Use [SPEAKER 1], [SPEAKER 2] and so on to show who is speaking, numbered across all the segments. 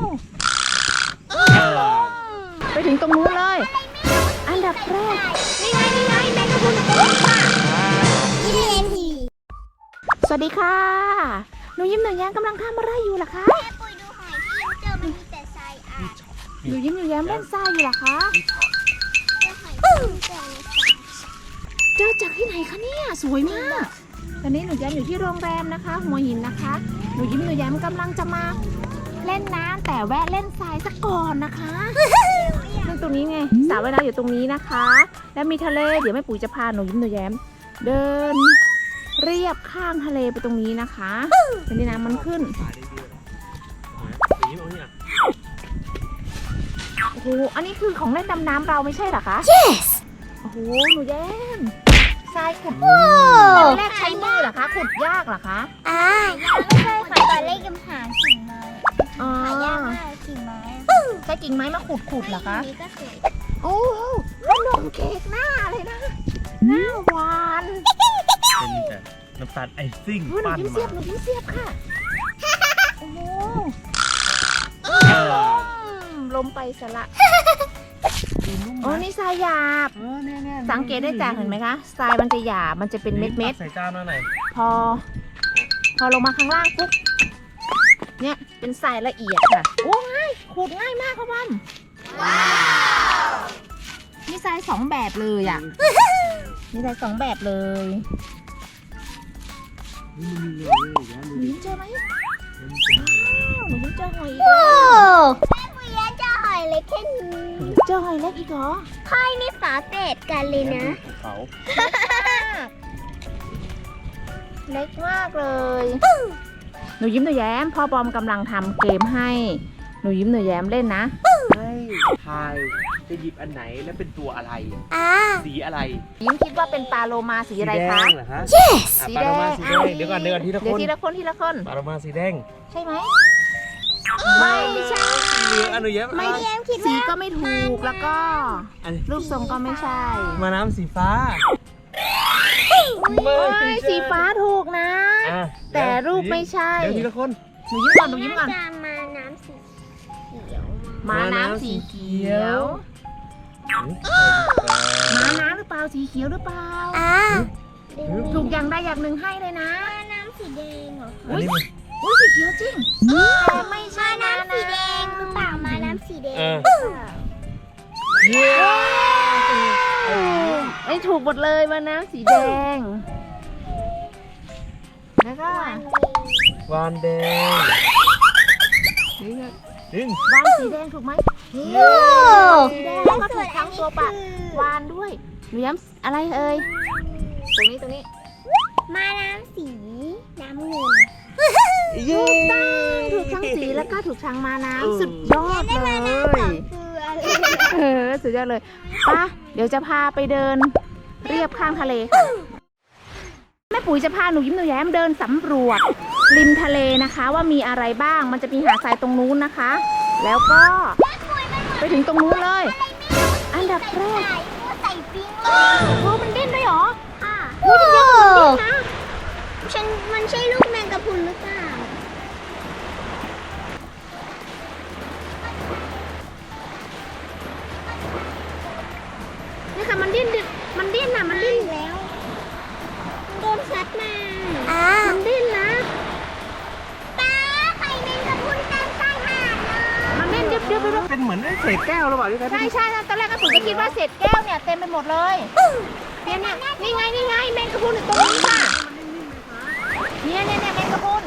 [SPEAKER 1] ไปถึงตรงนู้นเลยอันดับแรกนี่ไงแมงกะพรุนตัวค่ะสวัสดีค่ะหนูยิ้มหนูแย้มกำลังทำอะไรอยู่ล่ะคะ
[SPEAKER 2] แม่ปุยดูหอยที่ยังเจอมันมีแต่ทรายอ่ะ
[SPEAKER 1] หนูยิ้มหนูแย้มเล่นทรายอยู่ล่ะคะ
[SPEAKER 2] เจอหอยที่ยังเจอในทราย
[SPEAKER 1] เจอจากที่ไหนคะเนี่ยสวยมากตอนนี้หนูแย้มอยู่ที่โรงแรมนะคะหัวหินนะคะหนูยิ้มหนูแย้มกำลังจะมาเล่นน้ำแต่แวะเล่นทรายซะก่อนนะคะซึ่งตรงนี้ไงสระว่ายน้ำอยู่ตรงนี้นะคะแล้วมีทะเลเดี๋ยวแม่ปุ๋ยจะพาหนูยิ้มหนูแย้มเดินเรียบข้างทะเลไปตรงนี้นะคะตอนนี้น้ำมันขึ้นโอ้โหอันนี้คือของเล่นดำน้ำเราไม่ใช่เหรอคะ
[SPEAKER 2] yes
[SPEAKER 1] โอ้โหหนูแย้มทรายขุดแรกใช้มือเหรอคะขุดยากเหรอคะ
[SPEAKER 2] ไม่ใช่ค่ะตอนเล่นกับหางกิ่งไม้หายากมากกิ่งไม้
[SPEAKER 1] ใช้กิ่งไม้มาขุดเหรอคะ
[SPEAKER 2] นี้ก็สวย
[SPEAKER 1] โอ้ขนมเค้กหน้าเลยนะหน้าหวาน
[SPEAKER 3] เป็นแต่น้ำตาลไอซิ่ง
[SPEAKER 1] หนู
[SPEAKER 3] ปั้น
[SPEAKER 1] ยิ้มเสีย
[SPEAKER 3] มา
[SPEAKER 1] บหนูยิ้มเสียบค่ะโอ้โหลมไปสละโอ้นี่ทรายหยาบสังเกตได้จากเห็นไหมคะทรายมันจะหยาบมันจะเป็นเม็ด
[SPEAKER 3] ใส่จานมาหน่อย
[SPEAKER 1] พอลงมาข้างล่างปุ๊บเนี่ยเป็นทรายละเอียดค่ะโอ้ง่ายขูดง่ายมากค่ะบอมนี่ทรายสองแบบเลยอ่ะนี่ทรายสองแบบเลยหนูยิ้มเจอไหมหนูยิ้มเจอหอยอีกแล้ว
[SPEAKER 2] แม่ปุยยังเจอหอยเล็กแค่นี้
[SPEAKER 1] เจอหอยเล็กอีกเหรอ
[SPEAKER 2] ค่อยนี่ฝาเศษกันเลยนะ
[SPEAKER 3] เขา
[SPEAKER 1] เล็กมากเลยหนูยิ้มหนูแย้มพ่อบอมกำลังทำเกมให้หนูยิ้มหนูแย้มเล่นนะ
[SPEAKER 3] ให้ทายจะหยิบอันไหนและเป็นตัวอะไรสีอะไร
[SPEAKER 1] ยิ้มคิดว่าเป็นปลาโลมาสีอะไรคะ
[SPEAKER 3] สีแดงเหรอฮะ
[SPEAKER 2] yes
[SPEAKER 3] ปลาโลมาสีแดงเดี๋ยวก่อนทีละ
[SPEAKER 1] เดี๋
[SPEAKER 3] ค
[SPEAKER 1] ยวน ทีละคน
[SPEAKER 3] ปลาโลมาสีแดง
[SPEAKER 1] ใช่ไหม
[SPEAKER 2] ไม่ใช่
[SPEAKER 3] เหลืองอนุเย็บ
[SPEAKER 1] ไม่
[SPEAKER 2] เยี่ยมคิด
[SPEAKER 1] สี
[SPEAKER 2] ว่า
[SPEAKER 1] ก็ไม่ถูกแล้วก็
[SPEAKER 3] อัน
[SPEAKER 1] รูปทรงก็ไม่ใช่
[SPEAKER 3] มาน้ำสีฟ้า
[SPEAKER 1] โอ้ยสีฟ้าถูกนะ
[SPEAKER 3] อ่ะ
[SPEAKER 1] แต่รูปไม่ใช่
[SPEAKER 3] เดี๋ยวทีละคน
[SPEAKER 1] หนูยิ้มก่อน
[SPEAKER 2] จะมาน้ำสีเขียว
[SPEAKER 1] ม้าน้ำสีเขียวม้าน้ำหรือเปล่าสีเขียวหรือเปล่าถูกอย่างใดอย่างหนึ่งให้เลยนะ
[SPEAKER 2] มาน้ำสีแดงเหรอ
[SPEAKER 3] อันนี้
[SPEAKER 1] อุ้ยสีเขียวจริงแต่ไม่ใช่
[SPEAKER 2] มาน้ำสีแดงหรือเปล่ามาน้ำสีแดง
[SPEAKER 3] เย้
[SPEAKER 1] ไม่ถูกหมดเลยม้าน้ำสีแดงแล้วก็
[SPEAKER 3] วานแดงดึง
[SPEAKER 1] วานสีแดงถูกไหม
[SPEAKER 3] เย้
[SPEAKER 1] สีแดงแล้วก็ถูกทั้งตัวปะวานด้วยหนูย้ำอะไรเอ่ยตรงนี้
[SPEAKER 2] มาน้ำสีน้ำเงิน
[SPEAKER 3] เย้
[SPEAKER 1] ถูกทั้งสีแล้วก็ถูกทั้งมาน้ำสุดยอดเลย
[SPEAKER 2] คืออะไร
[SPEAKER 1] สุดยอดเลยป่ะเดี๋ยวจะพาไปเดินเรียบข้างทะเลค่ะแม่ปุ๋ยจะพาหนูยิ้มหนูแย้มเดินสำรวจริมทะเลนะคะว่ามีอะไรบ้างมันจะมีหาดทรายตรงนู้นนะคะ แล้วก็ไปถึงตรงนู้นเลยอันดับแรก
[SPEAKER 2] ใส่ปิ้งเลย
[SPEAKER 1] โอ้มันเด่นด้วยเหรอ
[SPEAKER 2] ค่ะ
[SPEAKER 1] โอ้ยเดี๋ยวมันเด่นนะ
[SPEAKER 2] มันใช่ลูกแมงกะพรุนหรือเปล่า
[SPEAKER 1] นี่ค่ะมันเด่นนะมันเด่น
[SPEAKER 2] แล้วโดนซัดมา
[SPEAKER 1] มันเด่นนะ
[SPEAKER 2] ป้าไข่แมงกะพรุนเต็มชายหาดเลย
[SPEAKER 1] มันเด่นเดี๋ยว
[SPEAKER 3] เป็นเหมือนเศษแก้วหรือเปล่าที่แท้
[SPEAKER 1] ใช่ตอนแรกก็ผมก็คิดว่าเศษแก้วเนี่ยเต็มไปหมดเลยเนี่ยนี่ไงแมงกะพรุนอยู่ตรงนี้ค่ะเนี่ยแมงกะพรุน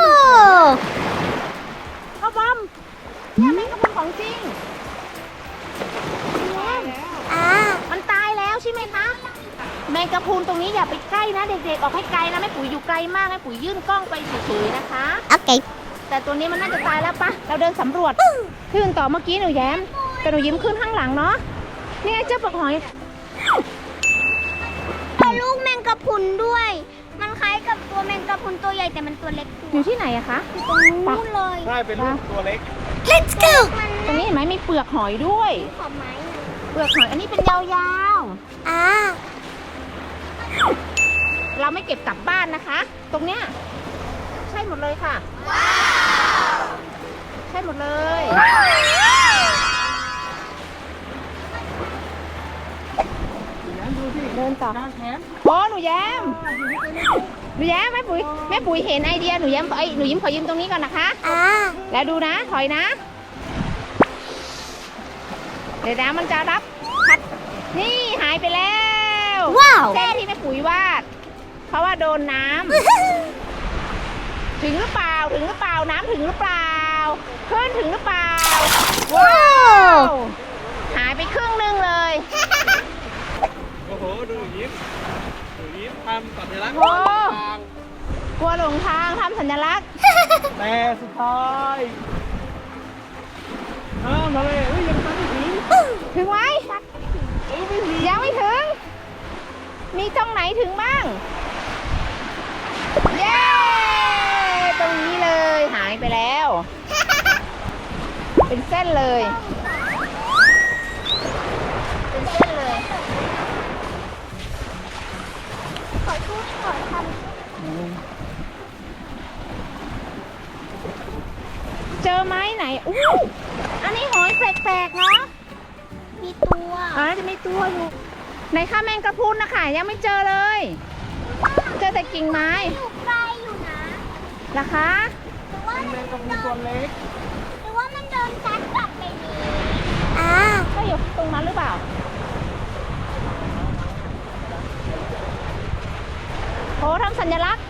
[SPEAKER 1] พ่อบอมเนี่ยแมงกะพรุนของจริงมันตายแล้วใช่ไหมคะแมงกะพรุนตรงนี้อย่าไปใกล้นะเด็กๆออกให้ไกลนะแม่ปุ๋ยอยู่ไกลมากแม่ปุ๋ยยื่นกล้องไปเฉยๆนะคะ
[SPEAKER 2] โอเค
[SPEAKER 1] แต่ตัวนี้มันน่าจะตายแล้วปะเราเดินสำรวจขึ้นต่อเมื่อกี้หนูแย้มแต่หนูยิ้มขึ้นข้างหลังเนาะนี่ไงเจ้าปลาหอย
[SPEAKER 2] เอาลูกแมงกะพรุนด้วย มันคล้ายกับตัวแมงกะพรุนตัวใหญ่แต่มันตัวเล็ก
[SPEAKER 1] อยู่ที่ไหนอะคะ
[SPEAKER 2] ตรงนู้นเลย
[SPEAKER 3] ใช่เป็นลูกตัวเล็ก
[SPEAKER 2] Let's go
[SPEAKER 1] ตรงนี้เห็นไหมมีเปลือกหอยด้วย
[SPEAKER 2] ขอบไม้
[SPEAKER 1] เปลือกหอยอันนี้เป็นยาวๆเราไม่เก็บกลับบ้านนะคะ ตรงเนี้ยใช่หมดเลยค่ะใช่หมดเลยต่อ
[SPEAKER 3] ด้านแขน
[SPEAKER 1] โอ้หนูแย้มแม่ปุ๋ยเห็นไอเดียหนูแย้มหนูยิ้มขอยืมตรงนี้ก่อนนะคะ แล้วดูนะถอยนะ เดี๋ยวนะมันจะรับพัดนี่หายไปแล้ว
[SPEAKER 2] ว้าว
[SPEAKER 1] เส้นที่แม่ปุ๋ยวาด เพราะว่าโดนน้ำ ถึงหรือเปล่าน้ำถึงหรือเปล่าขึ้นถึงหรือเปล่าว้าวหายไปครึ่งหนึงเลย
[SPEAKER 3] โอ้โห ดูยิ้มทำสัญลักษณ์
[SPEAKER 1] โอ้กลัวหลงทางทำสัญลักษณ์
[SPEAKER 3] แต่สุดท้ายมาเลยยังทันอีก
[SPEAKER 1] ถึงไหมยังไม่ถึง มีตรงไหนถึงบ้าง เย้ ตรงนี้เลยหายไปแล้ว เป็นเส้นเลย เป็นเส้นเลย
[SPEAKER 2] ขอพูดขอท
[SPEAKER 1] เจอไหมไหนอู้อันนี้หอยแปลกๆเนาะ
[SPEAKER 2] ำมีตัว
[SPEAKER 1] จะมีตัวอยู่ในข้าแมงกะพรุนนะคะยังไม่เจอเลย เจอแต่กิ่งไม้
[SPEAKER 2] อยู่ไกลอยู่นะ
[SPEAKER 1] นะคะ
[SPEAKER 2] หรือว่า
[SPEAKER 3] แมงกะพรุนตัวเล็ก
[SPEAKER 2] หรือว่ามันโดนซัดกลับไปนี้
[SPEAKER 1] ก็อยู่ตรงนั้นหรือเปล่าโอ้ทำสัญลักษณ์